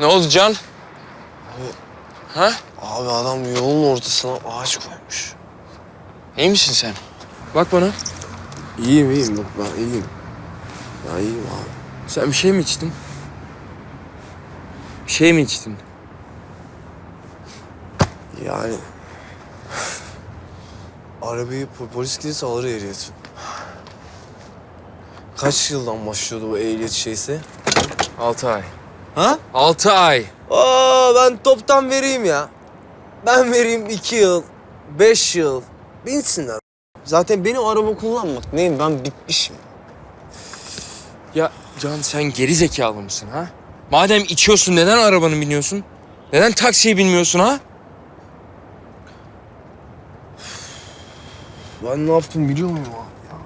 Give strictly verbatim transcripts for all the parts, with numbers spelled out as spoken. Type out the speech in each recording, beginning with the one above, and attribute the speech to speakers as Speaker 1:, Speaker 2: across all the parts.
Speaker 1: Ne oldu Can?
Speaker 2: Abi,
Speaker 1: ha?
Speaker 2: Abi adam yolun ortasına ağaç koymuş.
Speaker 1: İyi misin sen? Bak bana.
Speaker 2: İyiyim iyiyim bak ben iyiyim. Ben iyiyim abi.
Speaker 1: Sen bir şey mi içtin? Bir şey mi içtin?
Speaker 2: Yani... Arabayı po- polis gelirse alır ehliyeti. Kaç yıldan başlıyordu bu ehliyet şeysi?
Speaker 1: Altı ay.
Speaker 2: Ha?
Speaker 1: Altı ay.
Speaker 2: Aa ben toptan vereyim ya. Ben vereyim iki yıl, beş yıl. Binsinler. Zaten benim araba kullanmak neyim ben bitmişim.
Speaker 1: Ya Can sen geri zekalı mısın ha? Madem içiyorsun neden arabanı biniyorsun? Neden taksiye binmiyorsun ha?
Speaker 2: Ben ne yaptım biliyor muyum abi ya?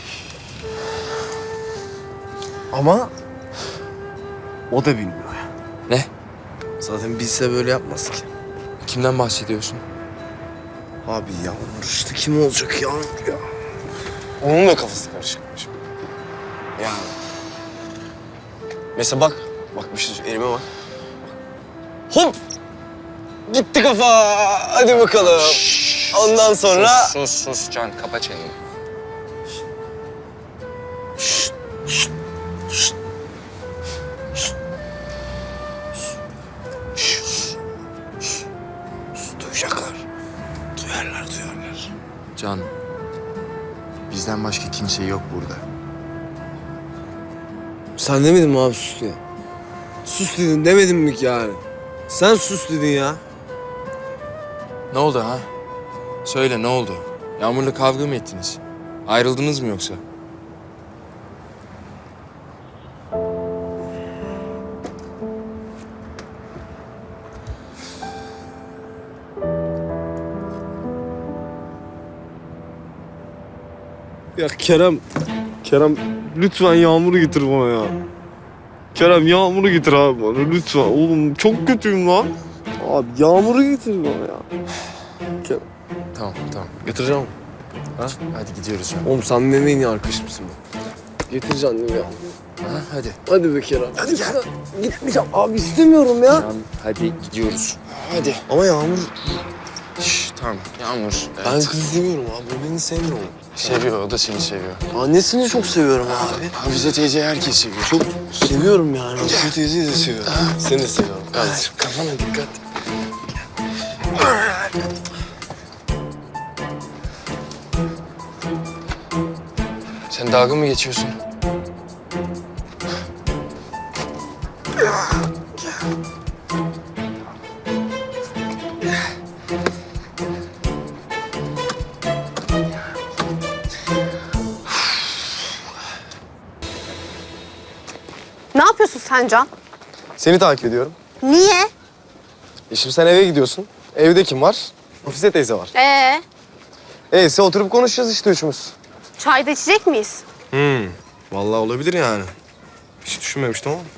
Speaker 2: Ama o da bilmiyor ya.
Speaker 1: Ne?
Speaker 2: Zaten bilse böyle yapmaz ki.
Speaker 1: Kimden bahsediyorsun?
Speaker 2: Abi Yağmur işte kim olacak Yağmur ya? Onun da kafası karışıkmış. Yani. Mesela bak, bak bir şey söyleyeyim, elime bak. Hop! Gitti kafa. Hadi bakalım.
Speaker 1: Şşş,
Speaker 2: Ondan sonra...
Speaker 1: Sus, sus, sus Can. Kapa çeneni.
Speaker 2: Şşt, şşt, şşt, şşt. Şşt, şşt, şşt. Duyacaklar. Duyarlar, duyarlar.
Speaker 3: Can, bizden başka kimse yok burada.
Speaker 2: Sen demedin mi abi sus diye? Sus dedin demedin mi ki yani? Sen sus dedin ya.
Speaker 1: Ne oldu ha? Söyle ne oldu? Yağmur'la kavga mı ettiniz? Ayrıldınız mı yoksa?
Speaker 2: Ya Kerem, Kerem lütfen Yağmur'u getir bana ya. Kerem Yağmur'u getir abi bana lütfen. Oğlum çok kötüyüm lan. Abi Yağmur'u getir bana ya. Kerem.
Speaker 1: Tamam, tamam.
Speaker 2: Getireceğim.
Speaker 1: Ha? Hadi gidiyoruz Can.
Speaker 2: Oğlum sen benim en iyi arkadaşımsın be. Getireceğim değil mi ya?
Speaker 1: Ha, hadi.
Speaker 2: Hadi be Kerem. Hadi gel. Gitmeyeceğim abi istemiyorum ya.
Speaker 1: Can, hadi gidiyoruz.
Speaker 2: Hadi. Ama Yağmur...
Speaker 1: Şş, tamam. Yağmur.
Speaker 2: Ben
Speaker 1: Evet.
Speaker 2: kızı seviyorum abi. O beni sevmiyor.
Speaker 1: Seviyor, o da seni seviyor.
Speaker 2: Annesini çok seviyorum abi.
Speaker 1: Hafize teyze herkes seviyor.
Speaker 2: Çok seviyorum yani. Hafize teyzeyi de seviyorum. Seni de seviyorum kardeşim.
Speaker 1: Kafana dikkat. Sen dalga mı geçiyorsun?
Speaker 4: Ne yapıyorsun sen Can?
Speaker 2: Seni takip ediyorum.
Speaker 4: Niye?
Speaker 2: E şimdi sen eve gidiyorsun. Evde kim var? Hafize teyze var.
Speaker 4: Ee,
Speaker 2: Eyse oturup konuşacağız işte üçümüz.
Speaker 4: çay da içecek miyiz?
Speaker 2: Hmm. Vallahi olabilir yani. Hiç düşünmemiştim ama.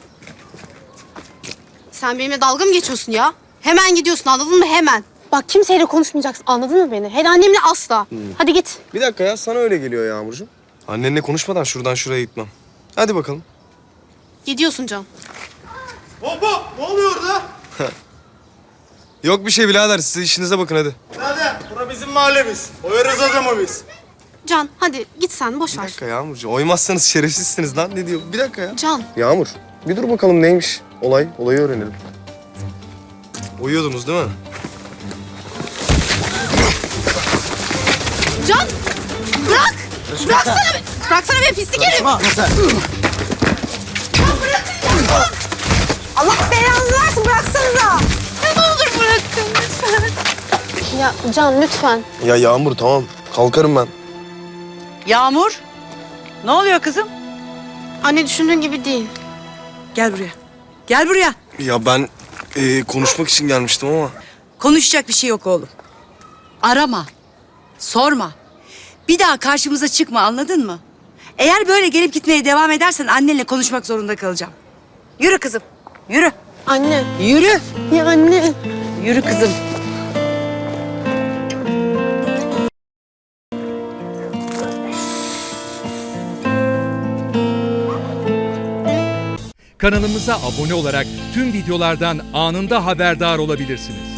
Speaker 4: Sen benimle dalga mı geçiyorsun ya? Hemen gidiyorsun anladın mı hemen? Bak kimseyle konuşmayacaksın anladın mı beni? Hele annemle asla. Hadi git.
Speaker 2: Bir dakika ya sana öyle geliyor Yağmurcuğum. Annenle konuşmadan şuradan şuraya gitmem. Hadi bakalım.
Speaker 4: Gidiyorsun Can.
Speaker 5: Hop hop! Ne oluyor orada?
Speaker 2: Yok bir şey birader siz işinize bakın hadi.
Speaker 5: Nerede? Bura bizim mahallemiz. Oyarız adamı biz.
Speaker 4: Can hadi git sen boş
Speaker 2: Bir
Speaker 4: ver.
Speaker 2: dakika Yağmurcuğum oymazsanız şerefsizsiniz lan ne diyor? Bir dakika ya.
Speaker 4: Can
Speaker 2: Yağmur bir dur bakalım neymiş olay. Olayı öğrenelim. Uyuyordunuz değil mi?
Speaker 4: Can bırak. Bıraksana be. Bıraksana be pislik herif. Ya bırakın ya. Allah belanızı versin bıraksanıza. Ya ne olur bırakın lütfen. Ya Can lütfen.
Speaker 2: Ya Yağmur tamam kalkarım ben.
Speaker 6: Yağmur, ne oluyor kızım?
Speaker 4: Anne düşündüğün gibi değil.
Speaker 6: Gel buraya. Gel buraya.
Speaker 2: Ya ben e, konuşmak için gelmiştim ama.
Speaker 6: Konuşacak bir şey yok oğlum. Arama, sorma. Bir daha karşımıza çıkma anladın mı? Eğer böyle gelip gitmeye devam edersen annenle konuşmak zorunda kalacağım. Yürü kızım, yürü.
Speaker 4: Anne.
Speaker 6: Yürü,
Speaker 4: Ya anne.
Speaker 6: yürü kızım.
Speaker 7: Kanalımıza abone olarak tüm videolardan anında haberdar olabilirsiniz.